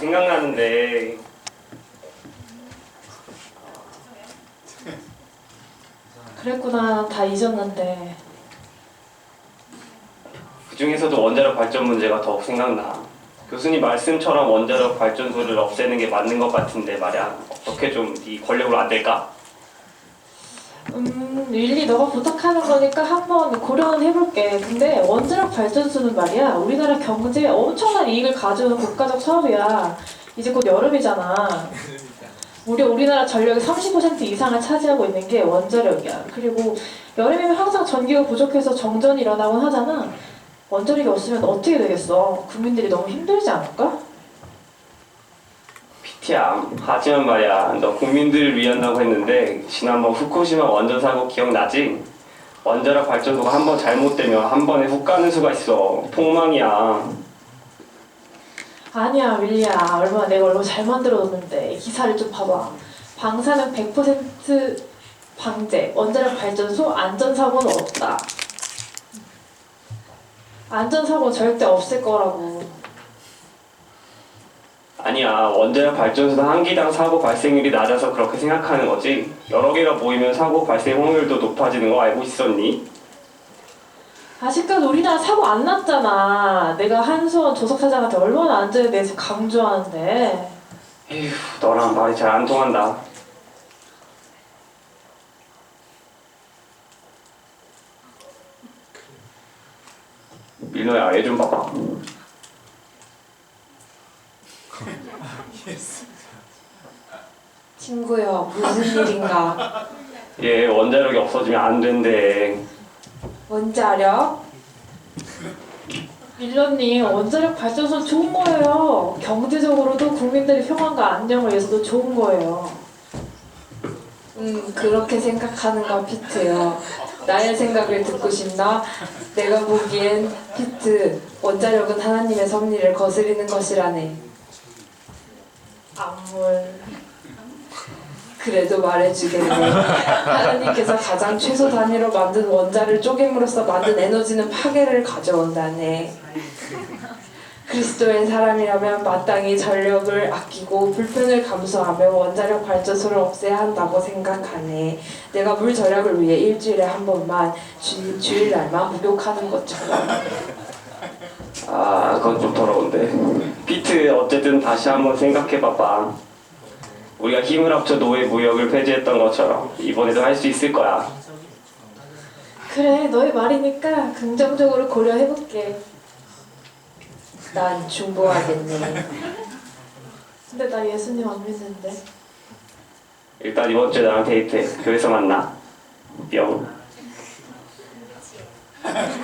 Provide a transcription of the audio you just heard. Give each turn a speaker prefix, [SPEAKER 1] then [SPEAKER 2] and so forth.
[SPEAKER 1] 생각나는데
[SPEAKER 2] 그랬구나. 다 잊었는데.
[SPEAKER 1] 그 중에서도 원자력 발전 문제가 더욱 생각나. 교수님 말씀처럼 원자력 발전소를 없애는 게 맞는 것 같은데 말이야. 어떻게 좀 네 권력으로 안 될까?
[SPEAKER 2] 릴리 너가 부탁하는 거니까 한번 고려는 해볼게. 근데 원자력 발전소는 말이야, 우리나라 경제에 엄청난 이익을 가져오는 국가적 사업이야. 이제 곧 여름이잖아. 우리나라 전력의 30% 이상을 차지하고 있는 게 원자력이야. 그리고 여름이면 항상 전기가 부족해서 정전이 일어나곤 하잖아. 원자력이 없으면 어떻게 되겠어? 국민들이 너무 힘들지 않을까?
[SPEAKER 1] 피티야, 하지만 말이야, 너 국민들을 위한다고 했는데 지난번 후쿠시마 원전 사고 기억나지? 원자력 발전소가 한번 잘못되면 한 번에 훅 가는 수가 있어. 폭망이야.
[SPEAKER 2] 아니야, 윌리야. 내가 얼마나 잘 만들어뒀는데. 기사를 좀 봐봐. 방사능 100% 방제, 원자력 발전소 안전사고는 없다. 안전사고는 절대 없을 거라고.
[SPEAKER 1] 아니야, 원자력 발전소는 한 기당 사고 발생률이 낮아서 그렇게 생각하는 거지. 여러 개가 모이면 사고 발생 확률도 높아지는 거 알고 있었니?
[SPEAKER 2] 아직까지 우리나라 사고 안 났잖아. 내가 한수원 조석사장한테 얼마나 안전에 대해서 강조하는데.
[SPEAKER 1] 에휴, 너랑 말이 잘 안 통한다. 민호야, 얘 좀 봐봐.
[SPEAKER 2] 친구야, 무슨 일인가?
[SPEAKER 1] 얘 원자력이 없어지면 안 된대.
[SPEAKER 2] 원자력? 밀러님, 원자력 발전소 좋은 거예요. 경제적으로도 국민들의 평안과 안녕을 위해서도 좋은 거예요.
[SPEAKER 3] 그렇게 생각하는가 피트요. 나의 생각을 듣고 싶나? 내가 보기엔 피트, 원자력은 하나님의 섭리를 거스리는 것이라네.
[SPEAKER 2] 암물.
[SPEAKER 3] 그래도 말해주겠네. 하나님께서 가장 최소 단위로 만든 원자를 쪼갰으로써 만든 에너지는 파괴를 가져온다네. 그리스도의 사람이라면 마땅히 전력을 아끼고 불편을 감수하며 원자력 발전소를 없애야 한다고 생각하네. 내가 물 절약을 위해 일주일에 한 번만 주일날만 목욕하는 것처럼.
[SPEAKER 1] 아, 그건 좀 더러운데. 피트, 어쨌든 다시 한번 생각해봐봐. 우리가 힘을 합쳐 노예 무역을 폐지했던 것처럼 이번에도 할 수 있을 거야.
[SPEAKER 2] 그래, 너의 말이니까 긍정적으로 고려해볼게.
[SPEAKER 3] 난 중보하겠네.
[SPEAKER 2] 근데 나 예수님 안 믿는데.
[SPEAKER 1] 일단 이번 주에 나랑 데이트해. 교회에서 만나. 뿅.